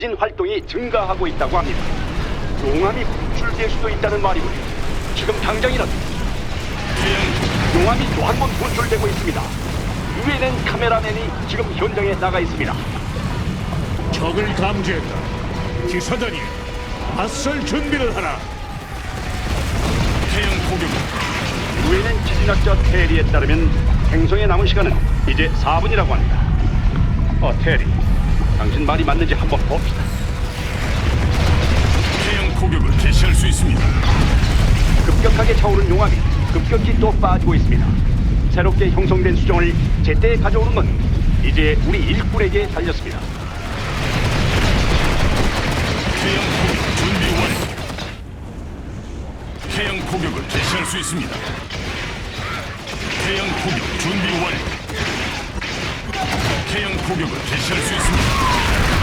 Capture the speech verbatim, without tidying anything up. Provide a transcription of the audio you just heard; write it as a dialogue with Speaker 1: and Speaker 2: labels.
Speaker 1: 진 활동이 증가하고 있다고 합니다. 용암이 분출될 수도 있다는 말이군요. 지금 당장이라도 용암이 또 한 번 분출되고 있습니다. 유엔엔 카메라맨이 지금 현장에 나가 있습니다.
Speaker 2: 적을 감지했다. 기사단이 맞설 준비를 하라.
Speaker 3: 태양 공격.
Speaker 1: 유엔엔 지진학자 테리에 따르면 행성에 남은 시간은 이제 사 분이라고 합니다. 어, 테리, 당신 말이 맞는지 한번 봅시다.
Speaker 3: 태양 공격을 개시할 수 있습니다.
Speaker 1: 급격하게 차오른 용암이 급격히 또 빠지고 있습니다. 새롭게 형성된 수정을 제때 가져오는 건 이제 우리 일꾼에게 달렸습니다.
Speaker 3: 태양 공격 준비 완료. 태양 공격을 개시할 수 있습니다. 태양 공격 준비 완료. 태양 공격을 개시할 수 있습니다.